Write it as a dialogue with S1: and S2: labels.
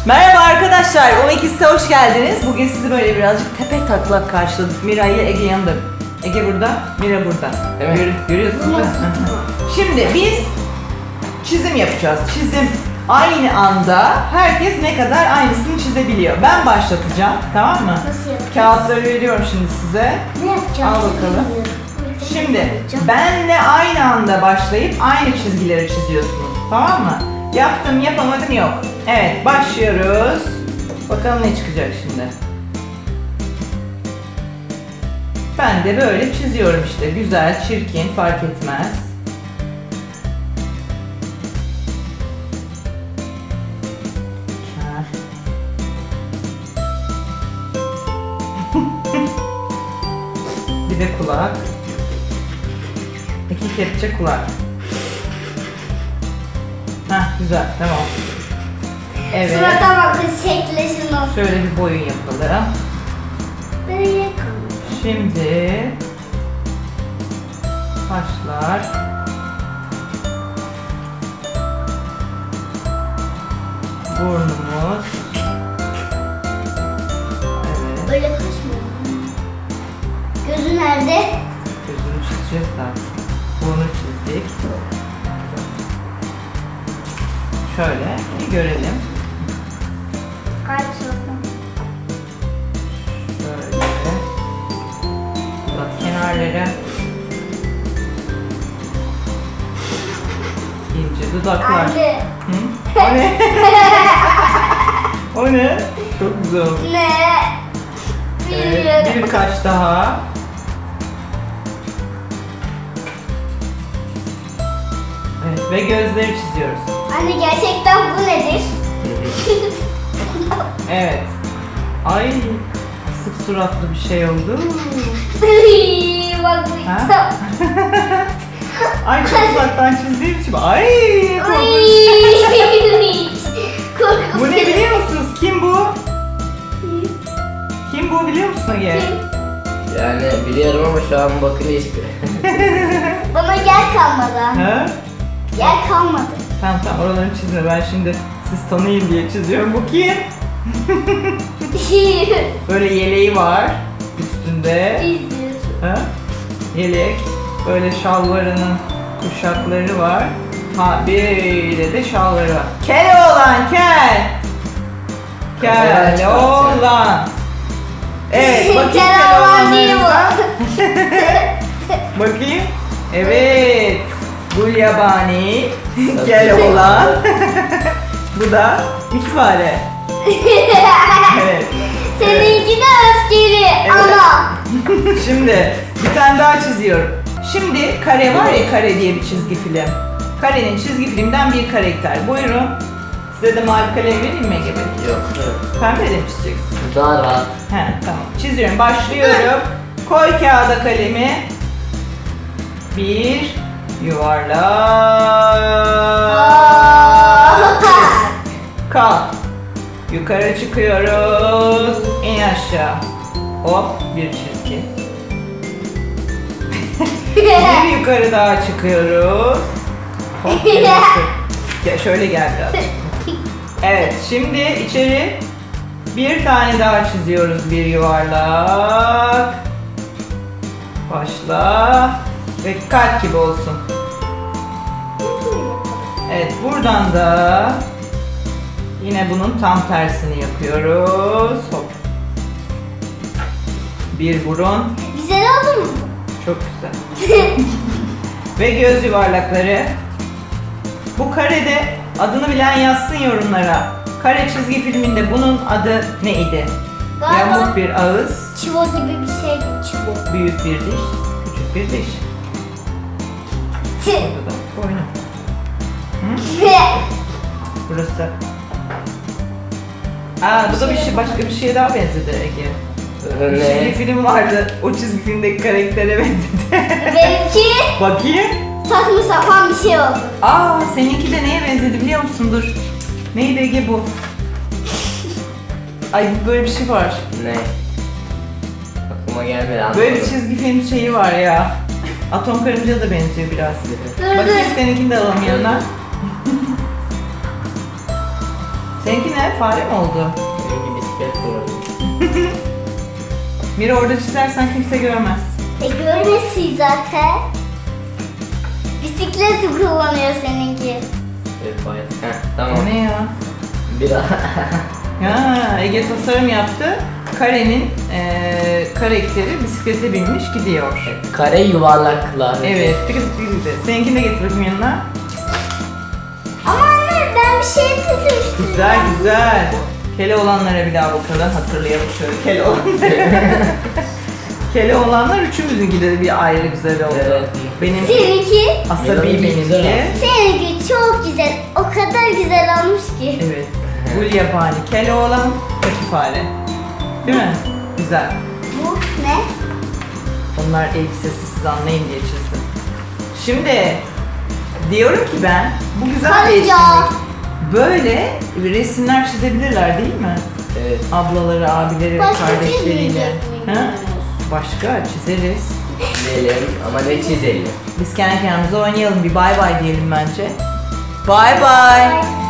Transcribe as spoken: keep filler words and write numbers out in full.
S1: Merhaba arkadaşlar, on ikis'e hoş geldiniz. Bugün sizi böyle birazcık tepe taklak karşıladık. Mira ile Ege yanında. Ege burada, Mira burada. Evet. Gör, görüyorsunuz değil mi? Şimdi biz çizim yapacağız. Çizim aynı anda herkes ne kadar aynısını çizebiliyor. Ben başlatacağım, tamam mı?
S2: Nasıl yapacağız?
S1: Kağıtları veriyorum şimdi size.
S2: Ne yapacağız?
S1: Al bakalım. Şimdi benle aynı anda başlayıp aynı çizgileri çiziyorsunuz, tamam mı? Yaptım, yapamadım yok. Evet, başlıyoruz. Bakalım ne çıkacak şimdi. Ben de böyle çiziyorum işte. Güzel, çirkin, fark etmez. Bir de kulak. İki kepçe kulak. Hah, güzel, tamam. Evet.
S2: Surata bakın, şekleşin o.
S1: Şöyle bir boyun yapalım.
S2: Böyle kalmış.
S1: Şimdi kaşlar. Burnumuz. Evet.
S2: Böyle kaş mı? Gözü nerede?
S1: Gözünü çizeceğiz daha. Burnu çizdik. Şöyle bir görelim.
S2: Kalp sorun.
S1: Şöyle. Bak kenarları. İnce dudaklar.
S2: Anne.
S1: Hı? O ne? O ne? Çok güzel oldu.
S2: Ne?
S1: Evet,
S2: Bilmiyorum.
S1: bir kaş daha. Evet, ve gözleri çiziyoruz.
S2: Anne, gerçekten bu nedir?
S1: Evet. Ay, sık suratlı bir şey oldu.
S2: Bak bu.
S1: Ha? Ay, çok uzaktan çizdiğim için. Ay, korkunç.
S2: Korkunç.
S1: Bu ne biliyor musunuz? Kim bu? Kim bu biliyor musun Ege?
S3: Yani biliyorum ama şu an bakınca hiçbir.
S2: Bana yer kalmadı.
S1: Ha?
S2: Yer kalmadı.
S1: Tamam tamam, oralarını çizme. Ben şimdi siz tanıyın diye çiziyorum. Bu kim? Böyle yeleği var üstünde.
S2: İzliyorsun.
S1: Ha? Yelek. Böyle şalvarının kuşakları var. Ha, bir de şalvarı var. Kel oğlan, kel. Kel oğlan. Evet, bakayım
S2: Kel
S1: kel
S2: oğlan değil bu.
S1: oğlanlarınıza. Bakayım. Evet. Gulyabani. Kel oğlan. Bu da üç fare. Evet.
S2: Seninki de öfkeli.
S1: Evet.
S2: Ana.
S1: Şimdi bir tane daha çiziyorum. Şimdi kare var ya, Kare diye bir çizgi film. Kare'nin çizgi filmden bir karakter. Buyurun. Size de mavi kalem vereyim mi Ege Bey?
S3: Yok.
S1: Pembe de mi çizeceksin?
S3: Daha rahat.
S1: He, tamam. Çiziyorum. Başlıyorum. Koy kağıda kalemi. Bir yuvarlak. Kal. Yukarı çıkıyoruz. İn aşağı. Hop, bir çizgi. Bir yukarı daha çıkıyoruz. Hop, bir yukarı. Gel, şöyle gel biraz. Evet, şimdi içeri bir tane daha çiziyoruz, bir yuvarlak. Başla ve kalp gibi olsun. Evet, buradan da yine bunun tam tersini yapıyoruz. Hop. Bir burun.
S2: Güzel oldu mu?
S1: Çok güzel. Ve göz yuvarlakları. Bu karede adını bilen yazsın yorumlara. Kare çizgi filminde bunun adı neydi?
S2: Galiba
S1: Yamuk bir ağız,
S2: çivo gibi bir şey. Çivo.
S1: büyük bir diş, küçük bir diş. Burada da boynu. Hı? Burası. Aa, bu da bir şey, başka bir şeye daha benzedi Ege. Bir çizgi
S3: Ne?
S1: film vardı. O çizgi filmdeki karaktere benzedi.
S2: Benimki
S1: Bakayım.
S2: saçma sapan bir şey oldu.
S1: Aa, seninki de neye benzedi biliyor musun? Dur. Neydi Ege bu? Ay, böyle bir şey var.
S3: Ne? Aklıma gelmedi, anlamadım.
S1: Böyle bir çizgi film şeyi var ya. Atom karınca da benziyor biraz.
S2: Dur
S1: Bakayım
S2: dur.
S1: seninkini de alalım yanına. Seninki ne? ne? Fare mi oldu?
S3: Benimki bisiklet kuralı.
S1: Mira orada çizersen kimse görmez.
S2: E görmesin zaten. Bisikleti kullanıyor seninki.
S3: Evet bayağı. Heh,
S1: O
S3: tamam.
S1: ne ya?
S3: Bir daha.
S1: Ha, Ege tasarım yaptı. Karenin eee karakteri bisiklete binmiş gidiyor.
S3: Kare yuvarlaklar.
S1: Evet. Tıkı tıkı tıkı tıkı. Seninkini de getir bakayım yanına.
S2: Ama anne ben bir şey tutmuştum.
S1: Güzel güzel. Kele olanlara bir daha bakalım. Hatırlayalım şöyle kele olanları. Kele olanlar üçümüzünki de bir ayrı güzel oldu.
S3: Evet.
S1: Benim
S2: Seninki?
S1: asabi
S3: Benimki güzel
S1: benimki.
S2: Seninki çok güzel. O kadar güzel olmuş ki.
S1: Evet. Gul yabani, kele olan, pati fare. Değil mi? Güzel.
S2: Bu ne?
S1: Onlar elbisesi siz anlayın diye çizdim. Şimdi diyorum ki ben bu güzel bir
S2: Karınca.
S1: etkinlik. Böyle resimler çizebilirler değil mi?
S3: Evet.
S1: Ablaları, abileri,
S2: Başka
S1: kardeşleriyle.
S2: çizmeyecek
S1: Ha?
S2: miyiz?
S1: Başka çizeriz.
S3: Çizelim ama ne çizelim?
S1: Biz kendi kendimize oynayalım. Bir bay bay diyelim bence. Bay bay.
S2: Bye.